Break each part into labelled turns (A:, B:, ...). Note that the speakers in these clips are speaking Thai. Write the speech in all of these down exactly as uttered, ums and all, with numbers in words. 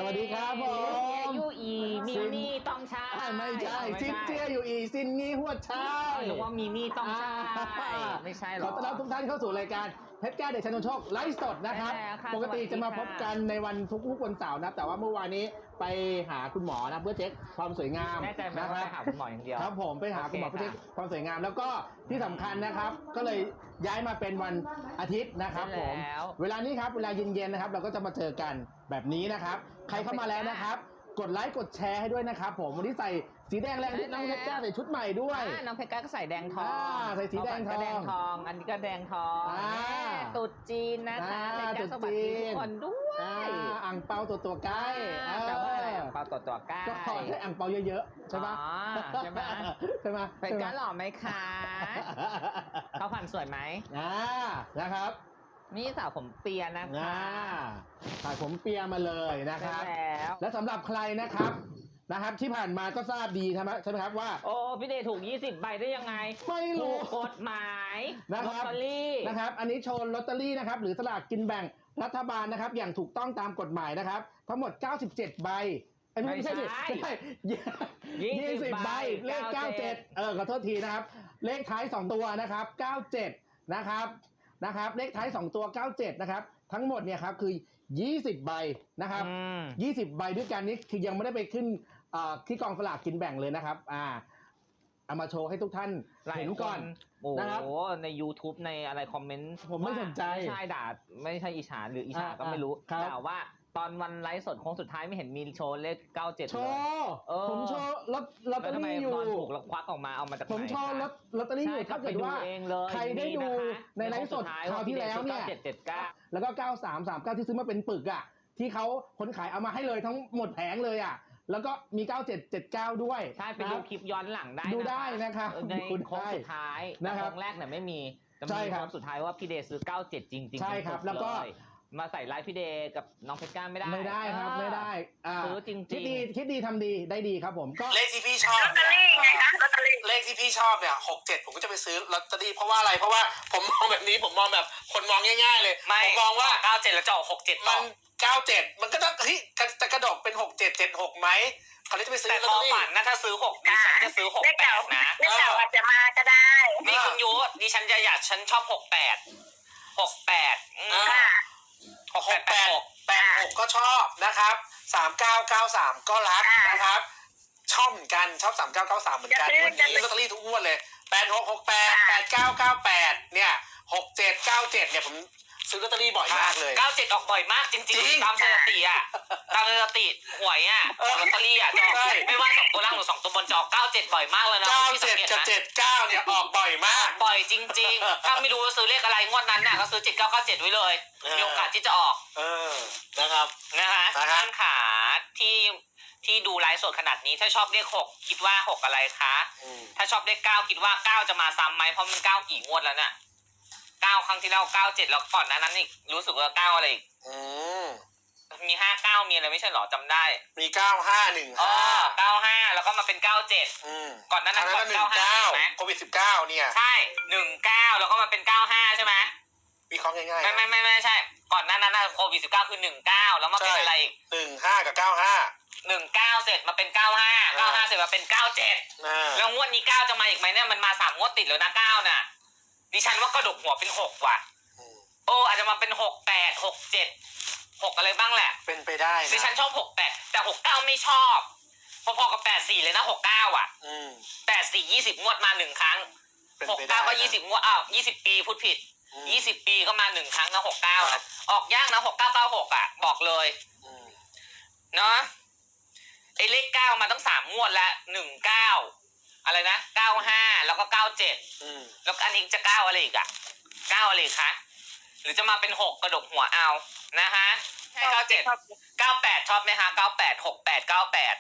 A: วัสดีครับผม
B: ยูอีมินี่ต้องใช้
A: ไม่ใช่ซินเจียอยู่อีซินงี้หัวเช้า
B: หรือว่ามินี่ต้องใช้ไม่ใช่หรอ
A: ขอต้อนรับทุกท่านเข้าสู่รายการเพชรแก้วเดชชนนโชคไลฟ์สดนะครับปกติจะมาพบกันในวันทุกๆวันเสาร์นะแต่ว่าเมื่อวานนี้ไปหาคุณหมอนะเพื่อเช็คความสวยงาม
B: นะครับไปหาคุณหมออย่างเดียว
A: ครับผมไปหาคุณหมอเพื่อเช็คความสวยงามแล้วก็ที่สำคัญนะครับก็เลยย้ายมาเป็นวันอาทิตย์นะครับผมเวลานี้ครับเวลาเย็นๆนะครับเราก็จะมาเจอกันแบบนี้นะครับใครเข้ามาแล้วนะครับกดไลค์กดแชร์ให้ด้วยนะครับผมวันนี้ใส่สีแดงแรงนิดน้องเพชรก้าใส่ชุดใหม่ด้วย
B: น้องเพชรก้าก็ใส่แดงทอง
A: ใส่สีแดงทอง
B: แดงทองอันนี้ก็แดงทองตุ๊ดจีนนะคะเพชรก้าสวัสดีทุกคนด้วย
A: อ่างเปาตัวตัวใกล้
B: แปลว่าอะไรอ่างเปาตัวตัวใกล้
A: ก็ขอให้อ่างเปาเยอะๆใช่ไหม
B: ใช่ไหม
A: ใช่ไหม
B: เพชรก้าหล่อไหมคะเขาผ่านสวยไหม
A: อ่านะครับ
B: นี่สาวผมเปียนะคะ
A: สาวผมเปียมาเลยนะครับแล้วและสำหรับใครนะครับนะครับที่ผ่านมาก็ทราบดีใช่ไหมใช่ไหมครับว่า
B: โอ้พี่เดชถูกยี่สิบใบได้ยังไง
A: ไม่รู้
B: กฎหมาย
A: นะครับ
B: ลอตเตอรี่
A: นะครับอันนี้โชว์ลอตเตอรี่นะครับหรือสลากกินแบ่งรัฐบาลนะครับอย่างถูกต้องตามกฎหมายนะครับทั้งหมดเก้าสิบเจ็ดใบไม่ใช่ดิไม่ใช่ยี่สิบใบเลขเก้าสิบเจ็ดเออขอโทษทีนะครับเลขท้ายสองตัวนะครับเก้าสิบเจ็ดนะครับนะครับเลขท้ายสองตัวเก้าสิบเจ็ดนะครับทั้งหมดเนี่ยครับคือยี่สิบใบนะครับยี่สิบใบด้วยกันนี้คือยังไม่ได้ไปขึ้นที่กองสลากกินแบ่งเลยนะครับอ่าเอามาโชว์ให้ทุกท่านเห็นก่อน
B: นะครับโอ้ใน YouTube ในอะไรคอมเมนต์
A: ผมไม่สนใจ
B: ไม่ใช่ด่าไม่ใช่อิจฉาหรืออิจฉาก็ไม่รู้แต่ว่าตอนวันไลฟ์สดโค้งสุดท้ายไม่เห็นมีโชว์เลขเก้าสิบเจ็ด
A: โชว์ผมโชว์ลอตลอตเตอรี่อยู่
B: ตอนถูกแล้วควักออกมาเอามาจากไหน
A: ผมโชว์ลอตลอตเตอรี่อยู่ถ้าเกิดว่าใครได้ดูในไลฟ์สดคราวที่แล้วเนี่ยแล้วก็เก้าสามสามเก้าที่ซื้อมาเป็นปึกอ่ะที่เขาคนขายเอามาให้เลยทั้งหมดแผงเลยอ่ะแล้วก็มีเก้าเจ็ด เจ็ดเก้าด้วย
B: ใช่ไปดูคลิปย้อนหลังได้
A: ดูได้นะครับ
B: ในโค้งสุดท้ายนะครับโค้งแรกเนี่ยไม่มี
A: ใช่ครับ
B: โค้งสุดท้ายว่าพี่เดย์ซื้อเก้าสิบเจ็ดจริงๆ
A: ใช่ครับแล้วก็
B: มาใส่ไลฟ์พี่เดย์กับน้องเพชรก้าไม่ได้
A: ไม่ได้ครับไม่ได้
B: ซื้อจริงๆ
A: คิดดีคิดดีทำดีได้ดีครับผม
C: ก็เลขที่พี่ชอบลอตเตอรี่ไงคะลอตเตอรี่เลขที่พี่ชอบเนี่ยหกเจ็ดผมก็จะไปซื้อลอตเตอรี่เพราะว่าอะไรเพราะว่าผมมองแบบนี้ผมมองแบบคนมองง่ายๆเลยผมมองว่า
B: เก้าเจ็ดแล้วจะออกหกเจ็ด
C: มันเก้าเจ็ดมันก็ต้องเฮ้ยจะกระดกเป็นหกเจ็ดเจ็ดหกไหมเขาเลยจะไปซื้อ
B: ลอตเตอรี่แต่พอฝันนะถ้าซื้อหกดิฉันจะซื้อหกแปดนะ
C: เลขเก่าอาจจะมาก็ได้
B: นี่คุณยุดิฉันจะอยากฉันชอบหกแปดหกแปด
C: หกแปดแปดแปดหกก็ชอบนะครับสามเก้าเก้าสามก็รักนะครับชอบเหมือนกันชอบสามเก้าเก้าสามเหมือนกันวันนี้ลอตเตอรี่ทุกงวดเลยแปดหกหกแปดแปดเก้าเก้าแปดเนี่ยหกเจ็ดเก้าเจ็ดเนี่ยผมซื้อลอตเตอรี่บ่อยมากเลย
B: เก้าเจ็ดออกบ่อยมากจริงๆตามสถิติอ่ะตามสถิติหวยอ่ะลอตเตอรี่อ่ะไม่ว่าสองตัวล่างหรือสองตัวบนจอเก้าเจ็ดบ่อยมากเลยนะ
C: เก้าเจ็ดกับเจ็ดเก้าเนี่ยออกบ่อยมาก
B: บ่อยจริงๆถ้าไม่รู้ว่าซื้อเลขอะไรงวดนั้นน่ะก็ซื้อเจ็ดเก้าเก้าเจ็ดไว้เลยมีโอกาสที่จะออก
C: เออนะครับ
B: นะฮะท่านขาที่ที่ดูไลฟ์สดขนาดนี้ถ้าชอบเลขหกคิดว่าหกอะไรคะถ้าชอบเลขเก้าคิดว่าเก้าจะมาซ้ำไหมเพราะมันเก้ากี่งวดแล้วเนี่ยเก้าครั้งที่แล้วเก้าเจ็ดแล้วก่อนนั้นนั้นอีกรู้สึกว่าเก้าอะไรอีกมีห้าเก้ามีอะไรไม่ใช่หรอจำได้
C: มีเก้าห้าหนึ่งห้า
B: เก้าห้าแล้วก็มาเป็นเก้าเจ็ดก่อนนั้นนั้นก่อนเก้าห้าใช่ไหม
C: โควิดสิบเก้าเนี่ย
B: ใช่หนึ่งเก้าแล้วก็มาเป็นเก้าห้าใช่ไหม
C: วิเคราะห์ง่ายๆ
B: ไม่ไม่ไม่ไม่ใช่ก่อนนั้นนั้นโควิดสิบเก้าคือหนึ่งเก้าแล้วมาเป็นอะไรอีก
C: หนึ่งห้ากับเก้าห้า
B: หนึ่งเก้าเสร็จมาเป็นเก้าห้าเก้าห้าเสร็จมาเป็นเก้าเจ็ดแล้วงวดนี้เก้าจะมาอีกไหมเนี่ยมันมาสามงวดติดแล้วนะเก้าน่ะดิฉันว่ากระดกหัวเป็นหกว่ะโอ้อาจจะมาเป็นหกแปดหกเจ็ดหกอะไรบ้างแหละ
C: เป็นไปได้
B: ดิฉันชอบหกแปดแต่หกเก้าไม่ชอบพอๆกับแปดสี่เลยนะหกเก้าอ่ะแปดสี่ยี่สิบงวดมาหนึ่งครั้งหกเก้าก็ยี่สิบงวดอ้าวยี่สิบปีพูดผิดยี่สิบปีก็มาหนึ่งครั้งนะหกเก้านะออกยากนะหกเก้าเก้าหกอ่ะบอกเลยเนาะไอ้เลขเก้ามาตั้งสามงวดแล้วหนึ่งเก้าอะไรนะเก้าห้าแล้วก็เก้าเจ็ดแล้วอันนี้จะเก้าอะไรอีกอ่ะเก้าอะไรคะหรือจะมาเป็นหกกระดกหัวเอานะฮะให้เก้าเจ็ดเก้าแปดชอบไหมคะเก้าแปดหกแปดเก้าแปด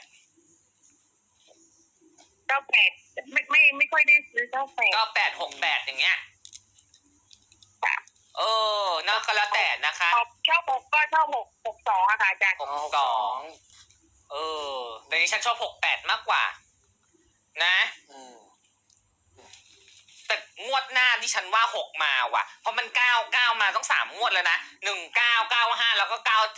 C: เก้าแปดไม่ไม่ไม่ค่อยได้ซื้อเก้าแปด
B: เก้าแปดหกแปดอย่างเงี้ยเออน่าก็แล้วแต่นะคะ
C: ชอบหกก็ชอบหกหกสองอะค่ะอาจารย์
B: หกสองเออแต่ดิฉันชอบหกแปดมากกว่านะแต่งวดหน้าที่ฉันว่าหกมาว่ะเพราะมันเก้าเก้ามาต้องสามงวดแล้วนะหนึ่งเก้าเก้าห้าแล้วก็เก้าเจ็ด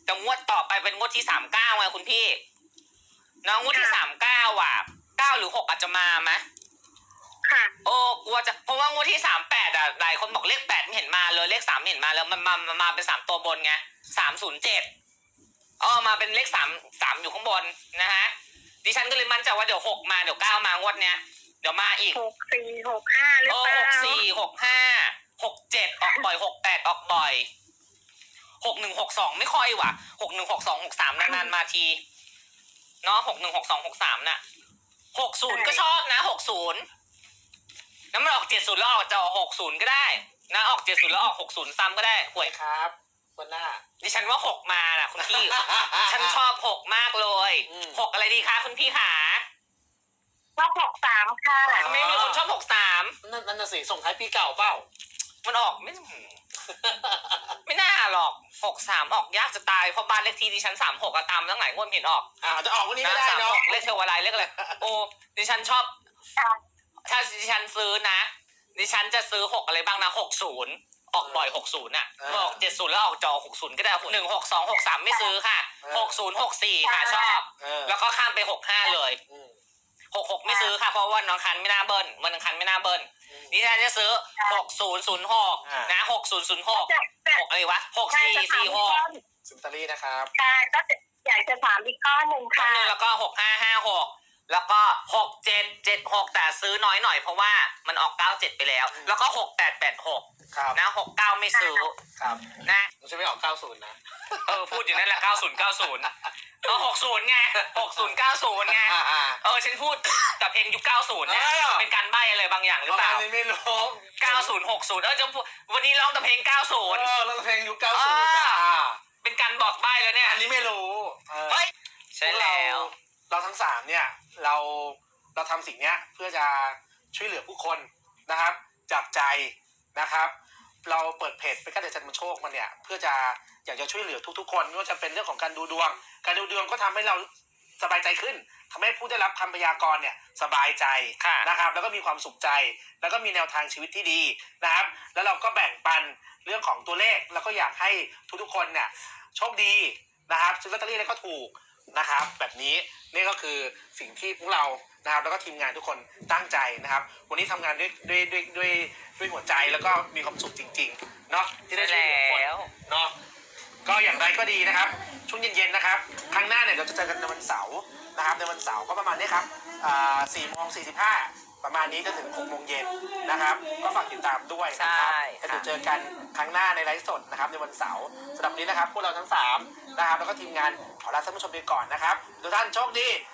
B: แต่งวดต่อไปเป็นงวดที่สามเก้าไงคุณพี่เน้องงวดที่สามเก้าอ่ะเก้าหรือหกอาจจะมาไหม
D: ค่ะ
B: โอ้กลัวจะเพราะว่างวดที่สามแปดอ่ะหลายคนบอกเลขแปดไม่เห็นมาเลยเลขสามไม่เห็นมาแล้วมันมามามาเป็นสามตัวบนไงสามศูนย์เจ็ดอ๋อมาเป็นเลขสามสามอยู่ข้างบนนะฮะดิฉันก็เลยมั่นใจว่าเดี๋ยวหกมาเดี๋ยวเก้ามางวดเนี้ยเดี๋ยวมาอีก
D: หกสี่หกห้าหรือ
B: โอ้
D: เปล่า
B: หกสี่หกห้าหกเจ็ดออกบ่อยหกแปดออกบ่อยหกหนึ่งหกสองไม่ค่อยว่ะหกหนึ่งหกสองหกสามนานๆมาทีเนาะหกหนึ่งหกสองหกสามน่ะหกศูนย์ก็ชอบนะหกศูนย์น้ำมันออกเจ็ดศูนย์แล้วออกจะออกหกศูนย์ก็ได้นะออกเจ็ดศูนย์แล้วออกหกศูนย์ซ้ำก็ได้หวย
C: ครับวันหน้า
B: ดิฉันว่าหกมาน่ะคุณพี่ ฉันชอบหกมากเลย
C: อืม
B: หกอะไรดีคะคุณพี่ขา
D: รอบหกสามค่ะ
B: ทำไมมีคนชอบหกสาม
C: นั่นนั่นน่ะสิส่งท้ายปีเก่าเปล่า
B: มันออกไม่ ไม่น่าหรอกหกสามออกยากจะตายเพราะบ้านเลขที่ดิฉันสามหกตามตั้งหลายงวดเห็นออก
C: อ่าจะออกวันนี้ก็ได้
B: สาม
C: เนาะ
B: หกเลขเทวอะไรเลขอะไรโอ้ดิฉันชอบถ้าดิฉันซื้อนะดิฉันจะซื้อหกอะไรบ้างนะหกศูนย์ออกบ่อยหกศูนย์อ่ะออกเจ็ดศูนย์แล้วออกจอหกศูนย์ก็ได้หนึ่งหกสองหกสามไม่ซื้อค่ะหกศูนย์หกสี่ค่ะชอบ
C: เออ
B: แล้วก็ข้ามไปหกห้าเลย
C: อืม
B: หกหกไม่ซื้อค่ะเพราะว่าวันอังคารไม่น่าเบิ้ลวันอังคารไม่น่าเบิ้ลดิฉันจะซื้อหกศูนย์ศูนย์หกนะหกศูนย์ศูนย์หก หกอะไรวะหก
D: ใช่
B: สี่
D: จะถาม
B: สี่
D: อีก
B: ห
D: ก้
B: ก
D: อน
C: ซิมตารี่นะครับ
D: ใช่ก็จะอยากจะถามอีกก้อนหนึ่ง
B: ครั้ง
D: ค่ะ
B: หนึ่งแล้วก็หกห้าห้าหกแล้วก็หกเจ็ดเจ็ดหกแต่ซื้อน้อยหน่อยเพราะว่ามันออกเก้าเจ็ดไปแล้ว แล้วก็หกแปดแปดหก
C: ครับ
B: นะหกเก้าไม่ซื้อ
C: ครับ
B: นะ
C: มันจะไม่ออกเก้าศูนย์นะ
B: เออพูดอยู่นั่นแหละเก้าศูนย์เก้าศูนย์เออหกศูนย์ไงหกศูนย์เก้าศูนย์ไง
C: อ่าอ่า
B: เออฉันพูดกับเพลงยุคเก้าศูนย์เนี่ย
C: เออ
B: เป็นการใบ้อะไรบางอย่างหรือเปล่า
C: ประมณนี้ไม่รู้
B: เก้าศูนย์หกศูนย์เออจะพูดวันนี้ร้องแต่เพลงเก้าศูนย์
C: เออแล้วเพลงยุคเก้าศูนย์นะ
B: อ่า
C: อ่า
B: เป็นการบอกใบ้แล้วเนี่ย
C: อันนี้ไม่รู้เออ
B: เฮ้ยใช่แล้ว
C: เราทั้งสามเนี่ยเราเราทำสิ่งเนี้ยเพื่อจะช่วยเหลือผู้คนนะครับจากใจนะครับ เราเปิดเพจเป็นการเดชันมันโชคมันเนี่ยเพื่อจะอยากจะช่วยเหลือทุกๆคนไม่ว่าจะเป็นเรื่องของการดูดวง การดูดวงก็ทำให้เราสบายใจขึ้นทำให้ผู้ได้รับคำพยากรณ์เนี่ยสบายใจ
B: ค่ะ
C: นะครับ แล้วก็มีความสุขใจ แล้วก็มีแนวทางชีวิตที่ดีนะครับ แล้วเราก็แบ่งปันเรื่องของตัวเลขแล้วก็อยากให้ทุกๆคนเนี่ยโชคดีนะครับซื้อลอตเตอรี่แล้วก็ถูกนะครับแบบนี้นี่ก็คือสิ่งที่พวกเรานะครับแล้วก็ทีมงานทุกคนตั้งใจนะครับ วันนี้ทำงานด้วยด้วยด้วยด้วยด้วยหัวใจแล้วก็มีความสุขจริงๆเนาะที่ได้ช่วยเหลือคน
B: แล้ว
C: เนาะก็อย่างไรก็ดีนะครับช่วงเย็นๆนะครับครั้งหน้าเนี่ยเราจะเจอกันในวันเสาร์นะครับในวันเสาร์ก็ประมาณนี้ครับอ่าสี่โมงสี่สิบห้าประมาณนี้จนถึงหกโมงเย็นนะครับก็ฝากติดตามด้วยนะครับ
B: ใช่
C: แล้วเดี๋ยวเจอกันครั้งหน้าในไลฟ์สดนะครับในวันเสาร์สำหรับวันนี้นะครับพวกเราทั้งสามนะครับแล้วก็ทีมงานขอลาท่านผู้ชมไปก่อนนะครับทุกท่านโชคดี